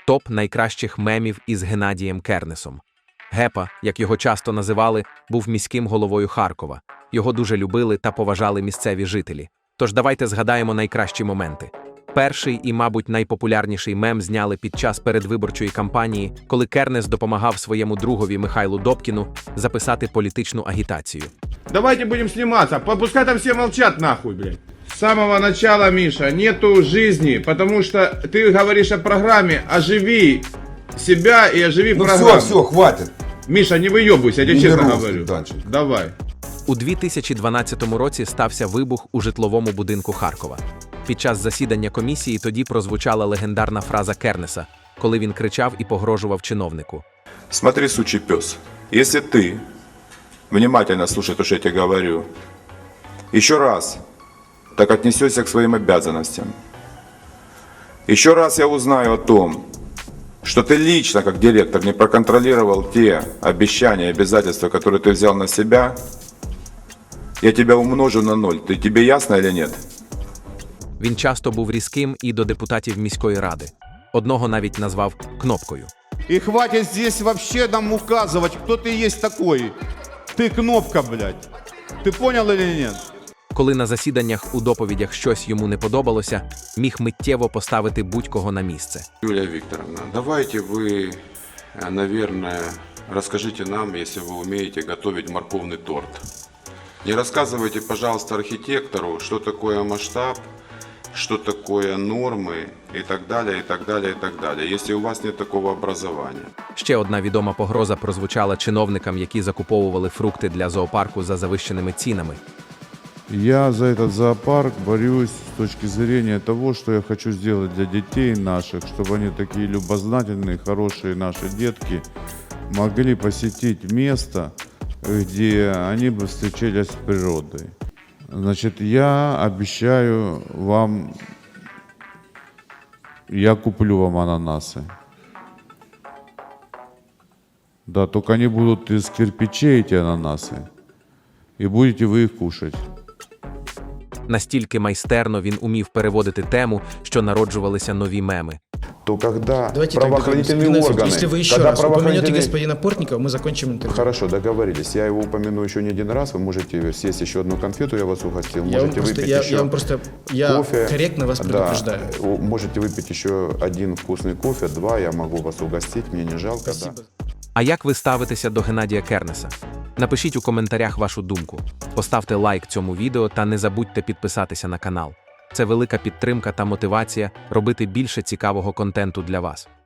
Топ найкращих мемів із Геннадієм Кернесом. Гепа, як його часто називали, був міським головою Харкова. Його дуже любили та поважали місцеві жителі. Тож давайте згадаємо найкращі моменти. Перший і, мабуть, найпопулярніший мем зняли під час передвиборчої кампанії, коли Кернес допомагав своєму другові Михайлу Добкіну записати політичну агітацію. Давайте будем сниматься, пускай там все молчат нахуй, блядь. С самого начала, Миша, нету жизни, потому что ты говоришь о программе, оживи себя и оживи программу. Все, хватит. Миша, не выебывайся, я тебе честно берусь говорю. дальше. Давай. У 2012 році стався вибух у житловому будинку Харкова. Під час засідання комісії тоді прозвучала легендарна фраза Кернеса, коли він кричав і погрожував чиновнику. Смотри, сучий пес, если ты внимательно слушай то, что я тебе говорю, еще раз так отнесешься к своим обязанностям, еще раз я узнаю о том, что ты лично, как директор, не проконтролировал те обещания и обязательства, которые ты взял на себя, я тебя умножу на 0. Тебе ясно или нет? Він часто був різким і до депутатів міської ради. Одного навіть назвав «кнопкою». И хватит здесь вообще нам указывать, кто ты есть такой. Ты кнопка, блядь. Ты понял или нет? Коли на засіданнях у доповідях щось йому не подобалося, міг миттєво поставити будь-кого на місце. Юлия Викторовна, давайте вы, наверное, расскажите нам, если вы умеете готовить морковный торт. Не рассказывайте, пожалуйста, архитектору, что такое масштаб, что такое нормы и так далее, и так далее, и так далее, если у вас нет такого образования. Ще одна відома погроза прозвучала чиновникам, які закуповували фрукти для зоопарку за завищеними цінами. Я за этот зоопарк борюсь с точки зрения того, что я хочу сделать для детей наших, чтобы они такие любознательные, хорошие наши детки могли посетить место, где они бы встречались с природой. Значит, я обещаю вам, я куплю вам ананасы. Да, только они будут из кирпичей, эти ананасы, и будете вы их кушать. Настільки майстерно він умів переводити тему, що народжувалися нові меми. То когда Давайте так правоохранительные договоримся. органы... Если вы еще когда раз упомянете правоохранительные- господина Портникова, мы закончим интервью. Хорошо, договорились. Я его упомяну еще не один раз. Вы можете съесть еще одну конфету, я вас угостил. Я вам Можете просто, выпить я еще вам просто, я кофе. корректно вас предупреждаю. Да, можете выпить еще один вкусный кофе, 2, я могу вас угостить, мне не жалко. Спасибо. Да. А як ви ставитеся до Геннадія Кернеса? Напишіть у коментарях вашу думку. Поставте лайк цьому відео та не забудьте підписатися на канал. Це велика підтримка та мотивація робити більше цікавого контенту для вас.